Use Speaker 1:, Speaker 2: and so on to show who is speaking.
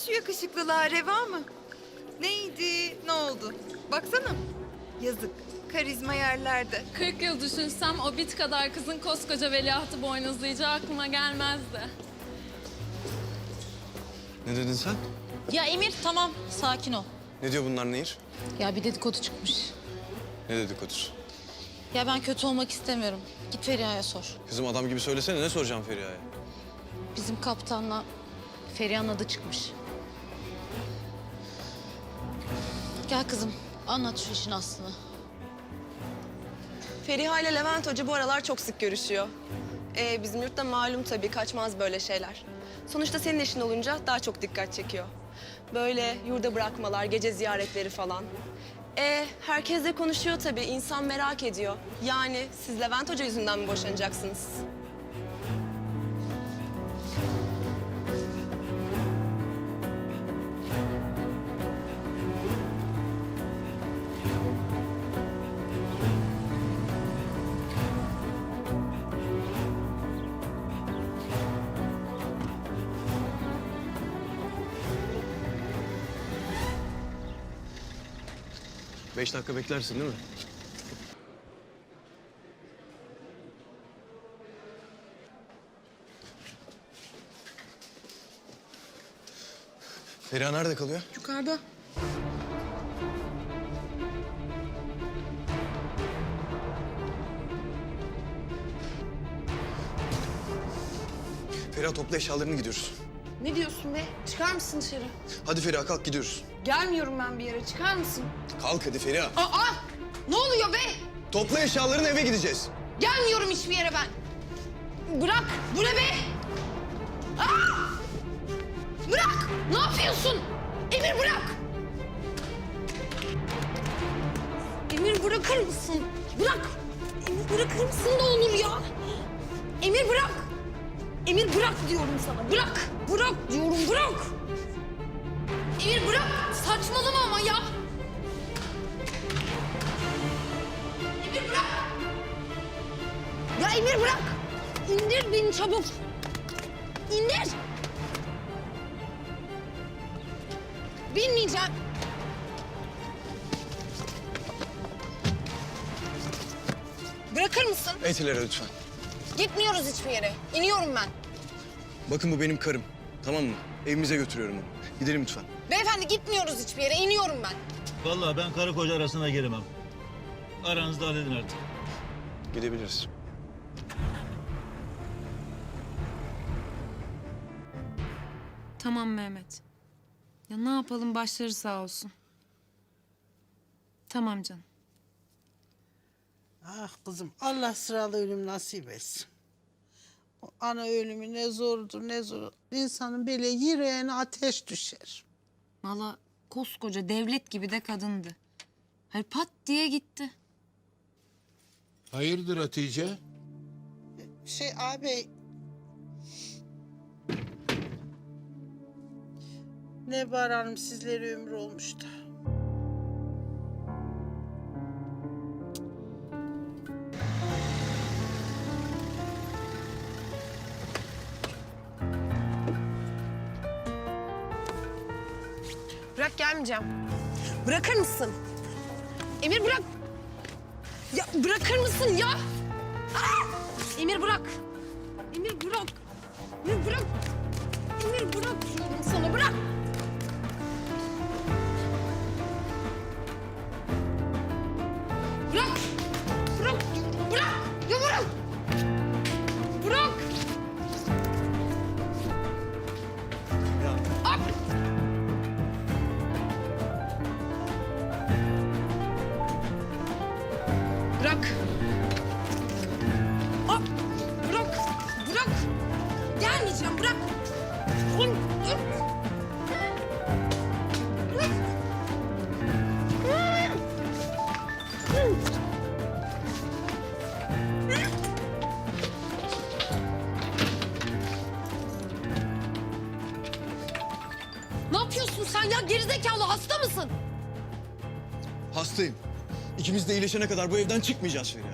Speaker 1: şu yakışıklılığa reva mı? Neydi, ne oldu? Baksana. Yazık, karizma yerlerde.
Speaker 2: 40 yıl düşünsem o bit kadar kızın koskoca veliahtı boynuzlayacağı aklıma gelmezdi.
Speaker 3: Ne dedin sen?
Speaker 4: Ya Emir tamam sakin ol.
Speaker 3: Ne diyor bunlar Nehir?
Speaker 4: Ya bir dedikodu çıkmış.
Speaker 3: Ne dedikodusu?
Speaker 4: Ya ben kötü olmak istemiyorum. Git Feriha'ya sor.
Speaker 3: Kızım adam gibi söylesene, ne soracağım Feriha'ya?
Speaker 4: Bizim kaptanla Feriha'nın adı çıkmış. Gel kızım anlat şu işin aslını.
Speaker 5: Feriha ile Levent Hoca bu aralar çok sık görüşüyor. Bizim yurtta malum tabii, kaçmaz böyle şeyler. Sonuçta senin işin olunca daha çok dikkat çekiyor. Böyle yurda bırakmalar, gece ziyaretleri falan. Herkes de konuşuyor tabii, insan merak ediyor. Yani siz Levent Hoca yüzünden mi boşanacaksınız?
Speaker 3: Beş dakika beklersin değil mi? Feriha nerede kalıyor?
Speaker 1: Yukarıda.
Speaker 3: Feriha topla eşyalarını, gidiyoruz.
Speaker 6: Ne diyorsun be? Çıkar mısın dışarı?
Speaker 3: Hadi Feriha kalk, gidiyoruz.
Speaker 6: Gelmiyorum ben bir yere. Çıkar mısın?
Speaker 3: Kalk hadi Feriha.
Speaker 6: Aa! Ne oluyor be?
Speaker 3: Topla eşyalarını, eve gideceğiz.
Speaker 6: Gelmiyorum hiçbir yere ben. Bırak. Bu ne be? Aa! Bırak. Ne yapıyorsun? Emir bırak. Emir bırakır mısın? Bırak. Emir bırakır mısın ne olur ya? Emir bırak. Emir bırak diyorum sana. Bırak. Bırak diyorum bırak. Emir bırak. Saçmalama ama ya. Emir bırak. Ya Emir bırak. İndir beni çabuk. İndir. Binmeyeceğim. Bırakır mısın?
Speaker 3: Etilere lütfen.
Speaker 6: Gitmiyoruz hiçbir yere. İniyorum ben.
Speaker 3: Bakın bu benim karım. Tamam mı? Evimize götürüyorum onu. Gidelim lütfen.
Speaker 6: Beyefendi gitmiyoruz hiçbir yere. İniyorum ben.
Speaker 7: Vallahi ben karı koca arasına giremem. Aranızda halledin artık.
Speaker 3: Gidebiliriz.
Speaker 2: Tamam Mehmet. Ya ne yapalım, başları sağ olsun. Tamam canım.
Speaker 8: Ah kızım, Allah sıralı ölüm nasip etsin. O ana ölümü ne zordur ne zor. İnsanın böyle yüreğine ateş düşer.
Speaker 2: Vallahi koskoca devlet gibi de kadındı. Hayır pat diye gitti.
Speaker 9: Hayırdır Hatice?
Speaker 8: Ağabey... Nebar Hanım sizlere ömür olmuş da.
Speaker 6: Bırak gelmeyeceğim. Bırakır mısın? Emir bırak. Ya bırakır mısın ya? Aa! Emir bırak. Emir bırak. Emir bırak. Emir bırak diyorum sana bırak. Bırak. Bırak. Bırak. Ya bırak. Bırak. At. Bırak. Aa, bırak. Bırak. Gelmeyeceğim. Bırak. Oğlum, dur. Bırak. Ne yapıyorsun sen ya? Gerizekalı hasta mısın?
Speaker 3: Hastayım. İkimiz de iyileşene kadar bu evden çıkmayacağız Feriha.